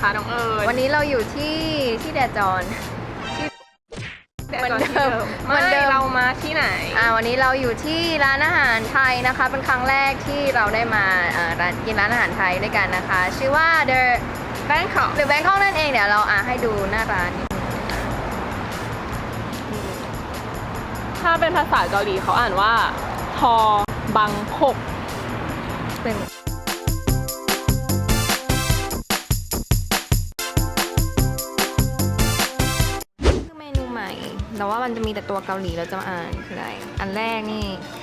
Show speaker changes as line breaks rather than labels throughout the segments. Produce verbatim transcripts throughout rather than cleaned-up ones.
คะน้องเอิญ
วันนี้เราอยู่ที่ที่แดจอนเหมือนเดิมเหมื
ไม่
อนเดิม
เรามาที่ไหน
อ่าวันนี้เราอยู่ที่ร้านอาหารไทยนะคะเป็นครั้งแรกที่เราได้มาอ่าร้านกินร้านอาหารไทยด้วยกันนะคะ ชื่อว่า The
Bangkok
The Bangkok นั่นเองเดี๋ยวเราอ่าให้ดูหน้าร้านนิดนึง
ถ้าเป็นภาษาเกาหลีเขาอ่านว่าทอบังคก
เป็นคือเมนูใหม่แต่ว่ามันจะมีแต่ตัวเกาหลีเราจะมาอ่านคืออะไรอันแรกนี่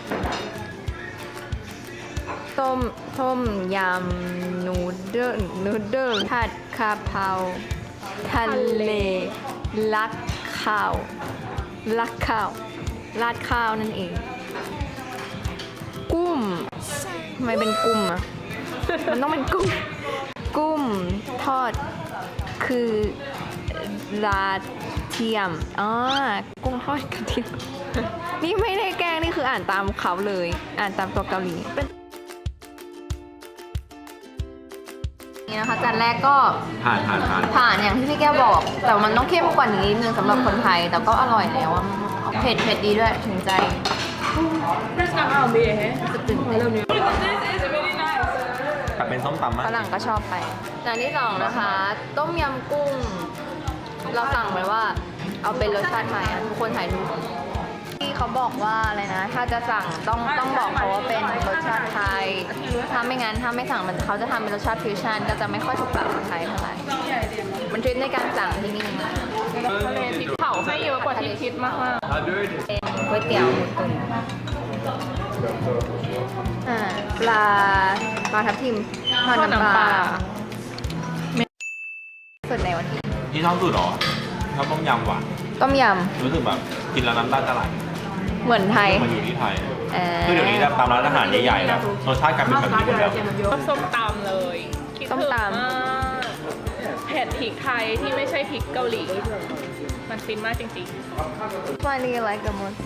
ต้มต้มยำนูเดิลนูเดิลผัดกะเพราทะเลลักข้าวลักข้าวราดข้าวนั่นเองกุ้มทำไมเป็นกุ้มอ่ะ มันต้องเป็นกุ้งกุ้มทอดคือราดเทียมอ๋อกุ้งทอดกระเทียม นี่ไม่ได้แกล้งนี่คืออ่านตามเขาเลย อ่านตามตัวเกาหลีเป็นนี่นะคะจานแรกก็
ผ่านผ่านผ่าน
ผ่านอย่างที่พี่แก้วบอก แต่มันต้องเข้มกว่านี้นิดนึงสำหรับคนไทย แต่ก็อร่อยแล้วอะเผ็ดเผ็ดดีด้วยถึงใจจะตื่นเต้น
แต่เป็นส้มตำมาก
ฝรั่งก็ชอบไปจานที่สองนะคะ ต้มยำกุ้ง เราสั่งไว้ว่าเอาเป็นรสชาติไทยอ่ะทุกคนถ่ายรูปที่เขาบอกว่าอะไรนะ ถ้าจะสั่งต้องต้องบอกเขาว่าเป็นรสชาติไทย ถ้าไม่งั้นถ้าไม่สั่งมันเขาจะทำเป็นรสชาติฟิวชั่นก็จะไม่ค่อยถูกปากคนไทยเท่าไหร่มันทริคในการสั่งที่นี่
ทะเลพริกเผาให้เยอะกว่าที่คิดมาก
เป็นก๋วยเตี๋ยวหมูตุ๋นอ่าปลาปลาทับทิมทอด
ๆ
น้ำปลา
เม
สุดในวันนี้
ที่ชอบสุดเหรอชอบต้มยำว่ะ
ต้มย
รู้สึกแบบกินแล้วน้ำตาจะไหล
ำเหมือนไทย
มันอยู่ที่ไทย
เอ่อ
คือเดี๋ยวนี้ตามร้านอาหารใหญ่ๆนะรสชาติกลายเป็นแบบนี้หมดแล้ว
ชอบส้มตำเลยคิด
ส้ม
ถึง
ตำ
มากเผ็ดพริกไทยที่ไม่ใช่พริกเกาหลี มันฟินมากจริง
What do you like the most?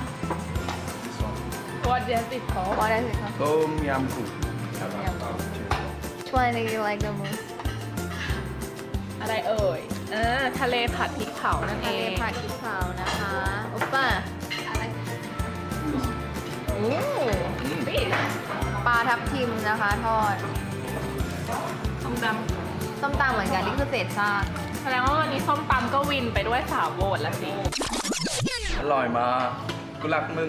ๆ What does it call
What is it called?
ต้มยำกุ้ง
Which one do you like the most?
อะไรเอ่ยอ่าทะเลผัดพริกเผานั่นเอ
ทะเล
ง
ผัดพริกเผานะคะอุปป้าโอ้ปลาทับทิมนะคะทอด
ส้มต
ส้มตำเหมือนกันนี่คือเศษซาก
ำแสดงว่าวันนี้ส้มตำก็วินไปด้วยสาวโหวตละสิ
อร่อยมากกูรักมึง